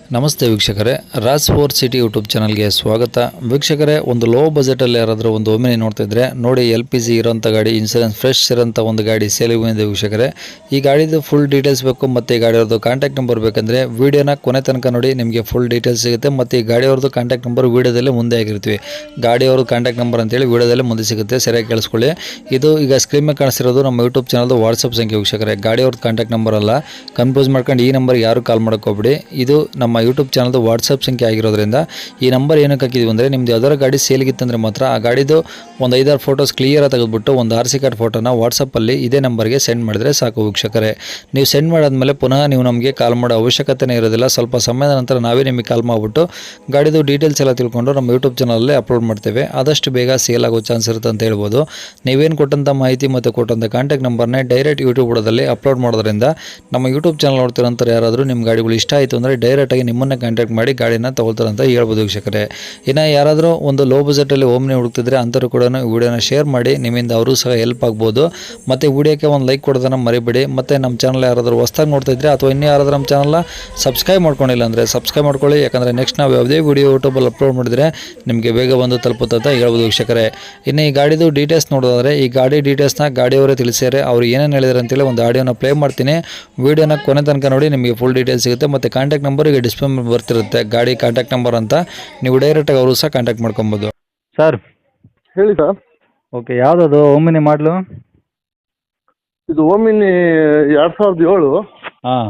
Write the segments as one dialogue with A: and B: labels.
A: ನಮಸ್ತೆ ವೀಕ್ಷಕರೇ, Raj four city YouTube ಚಾನಲ್ಗೆ ಸ್ವಾಗತ. ವೀಕ್ಷಕರೇ, ಒಂದು ಲೋ ಬಜೆಟಲ್ಲಿ ಯಾರಾದರೂ ಒಂದು ಓಮಿನಿ ನೋಡ್ತಾ ಇದ್ರೆ ನೋಡಿ, LPG ಇರೋಂಥ ಗಾಡಿ, ಇನ್ಸೂರೆನ್ಸ್ ಫ್ರೆಶ್ ಇರೋಂಥ ಒಂದು ಗಾಡಿ ಸೇಲಿಗೆ ಬಂದಿದೆ ವೀಕ್ಷಕರೇ. ಈ ಗಾಡಿದು ಫುಲ್ ಡೀಟೇಲ್ಸ್ ಬೇಕು ಮತ್ತು ಈ ಗಾಡಿಯವ್ರದ್ದು ಕಾಂಟ್ಯಾಕ್ಟ್ ನಂಬರ್ ಬೇಕಂದರೆ ವೀಡಿಯೋನ ಕೊನೆ ತನಕ ನೋಡಿ, ನಿಮಗೆ ಫುಲ್ ಡೀಟೇಲ್ಸ್ ಸಿಗುತ್ತೆ. ಮತ್ತು ಈ ಗಾಡಿಯವ್ರದ್ದು ಕಾಂಟ್ಯಾಕ್ಟ್ ನಂಬರ್ ವೀಡಿಯೋದಲ್ಲೇ ಮುಂದೆ ಆಗಿರ್ತೀವಿ. ಗಾಡಿಯವ್ರದ್ದು ಕಾಂಟ್ಯಾಕ್ಟ್ ನಂಬರ್ ಅಂತೇಳಿ ವೀಡಿಯೋದಲ್ಲೇ ಮುಂದೆ ಸಿಗುತ್ತೆ, ಸರಿಯಾಗಿ ಕೇಳಿಸ್ಕೊಳ್ಳಿ. ಇದು ಈಗ ಸ್ಕ್ರೀನ್ ಮೇಲೆ ಕಾಣಿಸ್ತಿರೋದು ನಮ್ಮ ಯೂಟ್ಯೂಬ್ ಚಾನಲ್ದು ವಾಟ್ಸಪ್ ಸಂಖ್ಯೆ ವೀಕ್ಷಕರೇ. ಗಾಡಿಯವ್ರದ್ದು ಕಾಂಟ್ಯಾಕ್ಟ್ ನಂಬರ್ ಅಲ್ಲ, ಕನ್ಫ್ಯೂಸ್ ಮಾಡ್ಕೊಂಡು ಈ ನಂಬರ್ಗೆ ಯಾರು ಕಾಲ್ ಮಾಡೋಕ್ಕೋಗ್ಬಿಡಿ. ಇದು ನಮ್ಮ ಯೂಟ್ಯೂಬ್ ಚಾನಲ್ದು ವಾಟ್ಸಪ್ ಸಂಖ್ಯೆ ಆಗಿರೋದ್ರಿಂದ ಈ ನಂಬರ್ ಏನಕ್ಕೆ ಹಾಕಿದ್ವಿ ಅಂದರೆ, ನಿಮ್ದು ಯಾವ್ದಾರ ಗಾಡಿ ಸೇಲ್ಗಿತ್ತಂದರೆ ಮಾತ್ರ ಆ ಗಾಡಿದು ಒಂದು 5-6 ಫೋಟೋಸ್ ಕ್ಲಿಯರಾಗಿ ತೆಗೆದುಬಿಟ್ಟು ಒಂದು RC ಕಾರ್ಡ್ ಫೋಟೋನ ವಾಟ್ಸಪ್ಪಲ್ಲಿ ಇದೇ ನಂಬರ್ಗೆ ಸೆಂಡ್ ಮಾಡಿದ್ರೆ ಸಾಕು ವೀಕ್ಷಕರೇ. ನೀವು ಸೆಂಡ್ ಮಾಡಾದ್ಮೇಲೆ ಪುನಃ ನೀವು ನಮಗೆ ಕಾಲ್ ಮಾಡೋ ಅವಶ್ಯಕತೆನೇ ಇರೋದಿಲ್ಲ. ಸ್ವಲ್ಪ ಸಮಯದ ನಂತರ ನಾವೇ ನಿಮಗೆ ಕಾಲ್ ಮಾಡಿಬಿಟ್ಟು ಗಾಡಿದು ಡೀಟೇಲ್ಸ್ ಎಲ್ಲ ತಿಳ್ಕೊಂಡು ನಮ್ಮ ಯೂಟ್ಯೂಬ್ ಚಾನಲಲ್ಲಿ ಅಪ್ಲೋಡ್ ಮಾಡ್ತೇವೆ. ಆದಷ್ಟು ಬೇಗ ಸೇಲ್ ಆಗೋ ಚಾನ್ಸ್ ಇರುತ್ತೆ ಅಂತ ಹೇಳ್ಬೋದು. ನೀವೇನು ಕೊಟ್ಟಂಥ ಮಾಹಿತಿ ಮತ್ತು ಕೊಟ್ಟಂಥ ಕಾಂಟ್ಯಾಕ್ಟ್ ನಂಬರ್ನೇ ಡೈರೆಕ್ಟ್ ಯೂಟ್ಯೂಬ್ ಬುಡದಲ್ಲಿ ಅಪ್ಲೋಡ್ ಮಾಡೋದ್ರಿಂದ ನಮ್ಮ ಯೂಟ್ಯೂಬ್ ಚಾನಲ್ ನೋಡ್ತಿರೋಂಥ ಯಾರಾದರೂ ನಿಮ್ಮ ಗಾಡಿಗಳು ಇಷ್ಟ ಆಯಿತು ಅಂದರೆ ಡೈರೆಕ್ಟಾಗಿ ನಿಮ್ಮನ್ನೇ ಕಾಂಟ್ಯಾಕ್ಟ್ ಮಾಡಿ ಗಾಡಿನ ತಗೊಳ್ತಾರೆ ಅಂತ ಹೇಳ್ಬೋದು ವೀಕ್ಷಕರೇ. ಇನ್ನು ಯಾರಾದರೂ ಒಂದು ಲೋ ಬಜೆಟಲ್ಲಿ ಓಮ್ನಿ ಹುಡುಕ್ತಿದ್ರೆ ಅಂಥವ್ರು ಕೂಡ ವಿಡಿಯೋನ ಶೇರ್ ಮಾಡಿ, ನಿಮ್ಮಿಂದ ಅವರು ಸಹ ಹೆಲ್ಪ್ ಆಗ್ಬೋದು. ಮತ್ತು ವಿಡಿಯೋಕ್ಕೆ ಒಂದು ಲೈಕ್ ಕೊಡೋದನ್ನು ಮರಿಬೇಡಿ. ಮತ್ತು ನಮ್ಮ ಚಾನಲ್ ಯಾರಾದರೂ ಹೊಸ್ದಾಗಿ ನೋಡ್ತಾ ಇದ್ರೆ ಅಥವಾ ಇನ್ನೂ ಯಾರಾದರೂ ನಮ್ಮ ಚಾನಲ್ನ ಸಬ್ಸ್ಕ್ರೈಬ್ ಮಾಡ್ಕೊಂಡಿಲ್ಲ ಅಂದರೆ ಸಬ್ಸ್ಕ್ರೈಬ್ ಮಾಡ್ಕೊಳ್ಳಿ. ಯಾಕಂದರೆ ನೆಕ್ಸ್ಟ್ ನಾವು ಯಾವುದೇ ವಿಡಿಯೋ ಯೂಟ್ಯೂಬಲ್ಲಿ ಅಪ್ಲೋಡ್ ಮಾಡಿದರೆ ನಿಮಗೆ ಬೇಗ ಬಂದು ತಲುಪುತ್ತೆ ಅಂತ ಹೇಳ್ಬೋದು ವೀಕ್ಷಕರೇ. ಇನ್ನು ಈ ಗಾಡಿದು ಡೀಟೇಲ್ಸ್ ನೋಡೋದಾದರೆ, ಈ ಗಾಡಿ ಡೀಟೇಲ್ಸ್ನ ಗಾಡಿಯವರೇ ತಿಳಿಸ್ಯಾರೆ. ಅವ್ರು ಏನೇನು ಹೇಳಿದ್ರು ಅಂತೇಳಿ ಒಂದು ಆಡಿಯೋನ ಪ್ಲೇ ಮಾಡ್ತೀನಿ. ವಿಡಿಯೋನ ಕೊನೆ ತನಕ ನೋಡಿ, ನಿಮಗೆ ಫುಲ್ ಡೀಟೇಲ್ಸ್ ಸಿಗುತ್ತೆ. ಮತ್ತು ಕಾಂಟ್ಯಾಕ್ಟ್ ನಂಬರ್ ಈಗ ಡಿಸ್ಪ್ಲೇ ಬರ್ತಿರುತ್ತೆ, ಗಾಡಿ ಕಾಂಟ್ಯಾಕ್ಟ್ ನಂಬರ್ ಅಂತ. ನೀವು ಡೈರೆಕ್ಟಾಗಿ ಅವರು ಸಹ ಕಾಂಟ್ಯಾಕ್ಟ್ ಮಾಡ್ಕೊಬೋದು.
B: ಸರ್
C: ಹೇಳಿ ಸರ್.
B: ಓಕೆ, ಯಾವುದದು ಓಮಿನಿ ಮಾಡಲು?
C: ಇದು ಓಮಿನಿ 2007.
B: ಹಾಂ,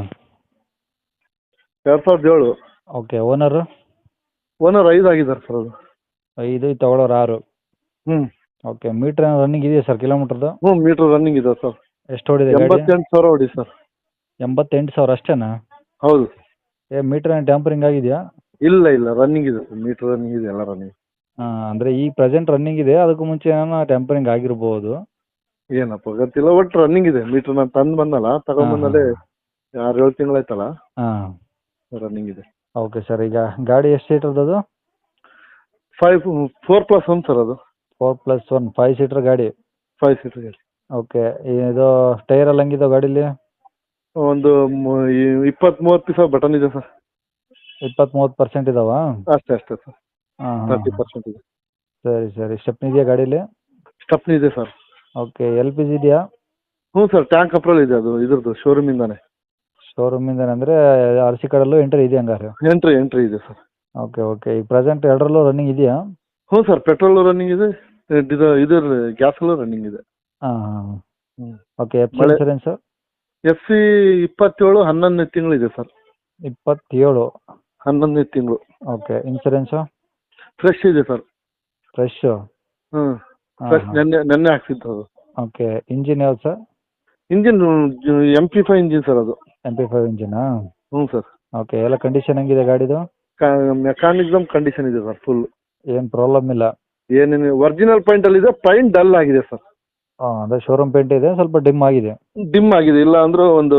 C: 2007.
B: ಓಕೆ. ಓನರು?
C: ಓನರ್ 5 ಆಗಿದ್ದಾರೆ ಸರ್. ಅದು
B: 5, ತಗೊಳ್ಳೋರು 6.
C: ಹ್ಞೂ
B: ಓಕೆ. ಮೀಟ್ರ್ ರನ್ನಿಂಗ್ ಇದೆಯಾ ಸರ್, ಕಿಲೋಮೀಟ್ರದ್ದು?
C: ಹ್ಞೂ ಮೀಟ್ರ್ ರನ್ನಿಂಗ್ ಇದೆ ಸರ್.
B: ಎಷ್ಟು ಹೊಡಿದೆ ಗಾಡಿ?
C: 88,000 ಹೊಡಿ ಸರ್.
B: 88,000 ಅಷ್ಟೇನಾ?
C: ಹೌದು.
B: ಮೀಟ್ರ್ ಟ್ಯಾಂಪರಿಂಗ್ ಆಗಿದೆಯಾ?
C: ಇಲ್ಲ ರನ್ನಿಂಗ್ ಇದೆ ಸರ್. ಮೀಟ್ರ್ ರನ್ನಿಂಗ್ ಇದೆ, ಎಲ್ಲ ರನ್ನಿಂಗ್.
B: ಹಾಂ, ಅಂದರೆ ಈ ಪ್ರೆಸೆಂಟ್ ರನ್ನಿಂಗ್ ಇದೆ, ಅದಕ್ಕೂ ಮುಂಚೆ ಏನೋ ಟ್ಯಾಂಪರಿಂಗ್ ಆಗಿರ್ಬೋದು.
C: ಏನಪ್ಪ ಗೊತ್ತಿಲ್ಲ, ಒಟ್ಟು ರನ್ನಿಂಗ್ ಇದೆ. ಮೀಟ್ರ್ ನಾನು ತಂದು ಬಂದಲ್ಲ, ತಗೊಂಡ್ಬಂದಲ್ಲೇ 6-7 ತಿಂಗಳಾಯ್ತಲ್ಲ,
B: ಹಾಂ,
C: ರನ್ನಿಂಗ್ ಇದೆ.
B: Okay sir. ಈಗ ಗಾಡಿ ಎಷ್ಟು ಸೀಟ್ರದ್ದು ಅದು?
C: 4+1 ಸರ್. ಅದು
B: 4+1 5 ಸೀಟ್ರ್ ಗಾಡಿ.
C: 5 ಸೀಟರ್ ಗಾಡಿ.
B: ಓಕೆ. ಇದು ಟೈರ್ ಎಲ್ಲ ಹಂಗಿದಾವೆ ಗಾಡೀಲಿ?
C: ಒಂದು 20-30 ಪೀಸ ಬಟನ್ ಇದೆ ಸರ್.
B: 20-30% ಇದಾವಾ?
C: ಅಷ್ಟೇ ಸರ್.
B: ಹಾಂ,
C: 30% ಇದೆ.
B: ಸರಿ. ಸ್ಟೆಪ್ನಿ ಇದೆಯಾ ಗಾಡೀಲಿ?
C: ಸ್ಟೆಪ್ನಿ ಇದೆ ಸರ್.
B: ಓಕೆ. LPG ಇದೆಯಾ?
C: ಹ್ಞೂ ಸರ್, ಟ್ಯಾಂಕ್ ಅಪ್ರೂವಲ್ ಇದೆ. ಅದು ಇದ್ರದ್ದು ಶೋರೂಮಿಂದಾನೆ.
B: ಶೋರೂಮಿಂದ ಅಂದರೆ RC ಕಾರ್ಡಲ್ಲೂ ಎಂಟ್ರಿ ಇದೆ ಹಂಗಾರೆ?
C: ಎಂಟ್ರಿ ಇದೆ ಸರ್.
B: ಓಕೆ. ಈಗ ಪ್ರೆಸೆಂಟ್ ಎರಡರಲ್ಲೂ ರನ್ನಿಂಗ್ ಇದೆಯಾ?
C: ಹ್ಞೂ ಸರ್, ಪೆಟ್ರೋಲ್ ರನ್ನಿಂಗ್ ಇದೆ, ಇದ್ರ ಗ್ಯಾಸಲ್ಲೂ ರನ್ನಿಂಗ್ ಇದೆ.
B: ಹಾಂ.
C: ಹ್ಞೂ.
B: ಓಕೆ. ಇನ್ಸೂರೆನ್ಸ್?
C: FC 27 11ನೇ ತಿಂಗಳಿದೆ ಸರ್.
B: 27
C: 11ನೇ ತಿಂಗಳು.
B: ಓಕೆ. ಇನ್ಸೂರೆನ್ಸು?
C: ಫ್ರೆಶ್ ಇದೆ ಸರ್.
B: ಫ್ರೆಶ್ಶು?
C: ಹ್ಞೂ, ಫ್ರೆಶ್ ನೆನ್ನೆ ಹಾಕ್ಸಿದ್ದು ಅದು.
B: ಓಕೆ. ಇಂಜಿನ್ ಯಾವ್ದು sir?
C: Engine MP5 engine sir. ಅದು
B: MP5 ಇಂಜಿನಾ?
C: ಹ್ಞೂ ಸರ್.
B: ಓಕೆ. ಎಲ್ಲ ಕಂಡೀಷನ್ ಹೆಂಗಿದೆ ಗಾಡಿದು?
C: ಮೆಕ್ಯಾನಿಸಮ್ ಕಂಡೀಷನ್ ಇದೆ ಸರ್, ಫುಲ್.
B: ಏನು ಪ್ರಾಬ್ಲಮ್ ಇಲ್ಲ?
C: ಏನೇನು ಒರಿಜಿನಲ್ ಪಾಯಿಂಟಲ್ಲಿ ಇದೆ. ಪಾಯಿಂಟ್ ಡಲ್ ಆಗಿದೆ ಸರ್.
B: ಹಾಂ, ಅದೇ ಶೋರೂಮ್ ಪೇಂಟ್ ಇದೆ, ಸ್ವಲ್ಪ ಡಿಮ್ ಆಗಿದೆ.
C: ಡಿಮ್ ಆಗಿದೆ, ಇಲ್ಲ ಅಂದ್ರೆ ಒಂದು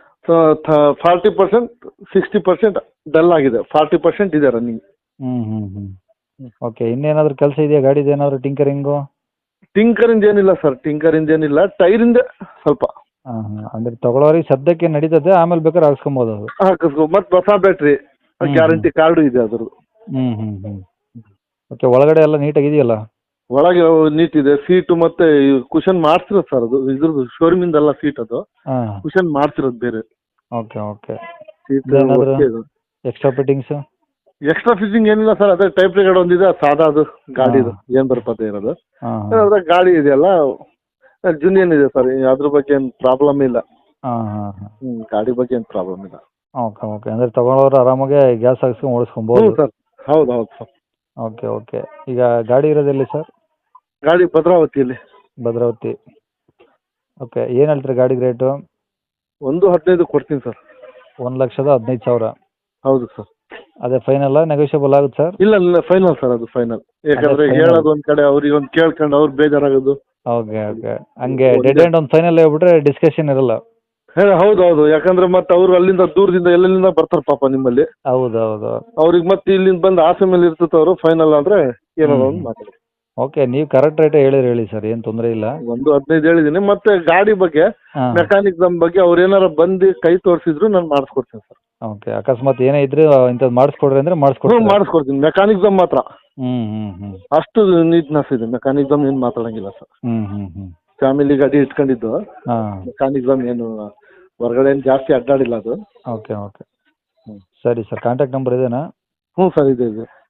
C: 40% 60% ಡಲ್ ಆಗಿದೆ. 40% ಇದೆ ರನ್ನಿಂಗ್.
B: ಹ್ಞೂ. ಓಕೆ. ಇನ್ನೇನಾದರೂ ಕೆಲಸ ಇದೆಯಾ ಗಾಡಿದು? ಏನಾದರೂ ಟಿಂಕರಿಂಗು?
C: ಟಿಂಕರಿಂಗ್ ಏನಿಲ್ಲ ಸರ್, ಟಿಂಕರಿಂಗ್ ಏನಿಲ್ಲ. ಟೈರಿಂದ ಸ್ವಲ್ಪ.
B: ಹಾಂ. ಅಂದರೆ ತಗೊಳ್ಳೋರಿಗೆ ಸದ್ಯಕ್ಕೆ ನಡೀತದೆ, ಆಮೇಲೆ ಬೇಕಾದ್ರೆ ಹಾಕ್ಸ್ಕೊಬೋದು ಅದು.
C: ಹಾಕಿಸ್ಕೊ. ಮತ್ತು ಹೊಸ ಬ್ಯಾಟ್ರಿ, ಗ್ಯಾರಂಟಿ ಕಾರ್ಡು ಇದೆ ಅದ್ರದ್ದು.
B: ಹ್ಞೂ. ಓಕೆ. ಒಳಗಡೆ ಎಲ್ಲ ನೀಟಾಗಿದೆಯಲ್ಲ?
C: ಒಳಗೆ ನೀಟ್ ಇದೆ. ಸೀಟು ಮತ್ತೆ ಕುಷನ್ ಮಾಡ್ಸಿರೋದು ಸರ್. ಅದು ಇದ್ರದ್ದು ಶೋರೂಮಿಂದಲ್ಲ ಸೀಟ್, ಅದು
B: ಹಾಂ.
C: ಕುಷನ್ ಮಾಡ್ಸಿರೋದು ಬೇರೆ.
B: ಓಕೆ.
C: ಸೀಟ್
B: ಏನಾದರೂ ಎಕ್ಸ್ಟ್ರಾ ಫಿಟ್ಟಿಂಗ್ಸು?
C: ಎಕ್ಸ್ಟ್ರಾ ಫಿಟ್ಟಿಂಗ್ ಏನಿಲ್ಲ ಸರ್. ಅದೇ ಟೈಪ್ ರಿಗಾರ್ಡ್ ಒಂದಿದೆ, ಸಾದಾ ಅದು ಗಾಡಿದು ಏನು ಬರಪತ್ತೆ ಇರೋದು. ಅದ್ರಾಗ ಗಾಡಿ ಇದೆಯಲ್ಲ ಜುನಿಯನ್ ಇದೆ ಸರ್. ಅದ್ರ ಬಗ್ಗೆ ಏನು ಪ್ರಾಬ್ಲಮ್ ಇಲ್ಲ. ಗಾಡಿ ಬಗ್ಗೆ ಏನು ಪ್ರಾಬ್ಲಮ್ ಇಲ್ಲ.
B: ಓಕೆ. ಅಂದರೆ ತಗೊಳ್ಳೋರು ಆರಾಮಾಗಿ ಗ್ಯಾಸ್ ಹಾಕ್ಸ್ಕೊಂಡು ಓಡಿಸ್ಕೊಬೋದು?
C: ಸರ್. ಹೌದು ಸರ್.
B: ಓಕೆ. ಈಗ ಗಾಡಿ ಇರೋದೆಲ್ಲಿ ಸರ್?
C: ಗಾಡಿ ಭದ್ರಾವತಿಯಲ್ಲಿ.
B: ಭದ್ರಾವತಿ. ಓಕೆ. ಏನು ಹೇಳ್ತೀರಿ ಗಾಡಿಗೆ ರೇಟು?
C: 1.15 ಕೊಡ್ತೀನಿ ಸರ್.
B: 1,15,000?
C: ಹೌದು ಸರ್.
B: ಅದೇ ಫೈನಲ್ಲ, ನೆಗೋಷಿಯಬಲ್ ಆಗುತ್ತೆ ಸರ್?
C: ಇಲ್ಲ ಫೈನಲ್ ಸರ್. ಅದು ಫೈನಲ್. ಯಾಕಂದ್ರೆ ಹೇಳೋದು ಒಂದ್ ಕಡೆ, ಅವ್ರಿಗೆ ಒಂದು ಕೇಳ್ಕೊಂಡು ಅವ್ರು ಬೇಜಾರಾಗೋದು.
B: ಓಕೆ. ಹಂಗೆ ಡೆಡ್ ಎಂಡ್ ಒಂದು ಫೈನಲ್ ಹೇಳ್ಬಿಟ್ರೆ ಡಿಸ್ಕಷನ್ ಇರಲ್ಲ?
C: ಹೌದು. ಯಾಕಂದ್ರೆ ಮತ್ತೆ ಅವರು ಅಲ್ಲಿಂದ ದೂರದಿಂದ ಎಲ್ಲೆಲ್ಲಿಂದ ಬರ್ತಾರೆ ಪಾಪ ನಿಮ್ಮಲ್ಲಿ.
B: ಹೌದು.
C: ಅವ್ರಿಗೆ ಮತ್ತೆ ಇಲ್ಲಿಂದ ಬಂದು ಆಸೆ ಮೇಲೆ ಇರ್ತದೆ. ಅವರು ಫೈನಲ್ ಅಂದ್ರೆ ಏನಾದ್ರು ಒಂದು ಮಾತಾಡಿ.
B: ಓಕೆ. ನೀವು ಕರೆಕ್ಟ್ ರೇಟೇ ಹೇಳಿ ಸರ್, ಏನು ತೊಂದರೆ ಇಲ್ಲ.
C: 1.15 ಹೇಳಿದ್ದೀನಿ. ಮತ್ತೆ ಗಾಡಿ ಬಗ್ಗೆ ಮೆಕ್ಯಾನಿಕ್ ಬಗ್ಗೆ ಅವ್ರು ಏನಾರ ಬಂದು ಕೈ ತೋರಿಸಿದ್ರು ನಾನು ಮಾಡಿಸ್ಕೊಡ್ತೀನಿ ಸರ್.
B: ಓಕೆ ಅಕಸ್ಮಾತ್ ಏನೇ ಇದ್ರೆ ಇಂಥದ್ದು ಮಾಡಿಸ್ಕೊಡ್ರಿ ಅಂದರೆ
C: ಹ್ಞೂ
B: ಮಾಡಿಸ್ಕೊಡ್ತೀರಾ?
C: ಮಾಡಿಸ್ಕೊಡ್ತೀನಿ. ಮೆಕ್ಯಾನಿಕ್ಸಮ್ ಮಾತ್ರ
B: ಹ್ಞೂ ಹ್ಞೂ ಹ್ಞೂ
C: ಅಷ್ಟು ನೀಟ್ನೆಸ್ ಇದೆ. ಮೆಕ್ಯಾನಿಕ್ಸಮ್ ಏನು ಮಾತಾಡಂಗಿಲ್ಲ ಸರ್.
B: ಹ್ಞೂ ಹ್ಞೂ ಹ್ಞೂ
C: ಫ್ಯಾಮಿಲಿ ಗಾಡಿ ಇಟ್ಕೊಂಡಿದ್ದು
B: ಹಾಂ
C: ಮೆಕ್ಯಾನಿಕ್ಸಮ್ ಏನು ಹೊರಗಡೆ ಏನು ಜಾಸ್ತಿ ಅಡ್ಡಾಡಿಲ್ಲ ಅದು.
B: ಓಕೆ ಓಕೆ ಸರಿ ಸರ್ ಕಾಂಟ್ಯಾಕ್ಟ್ ನಂಬರ್ ಇದೇನಾ?
C: ಹ್ಞೂ ಸರ್ ಇದೆ ಇದೆ.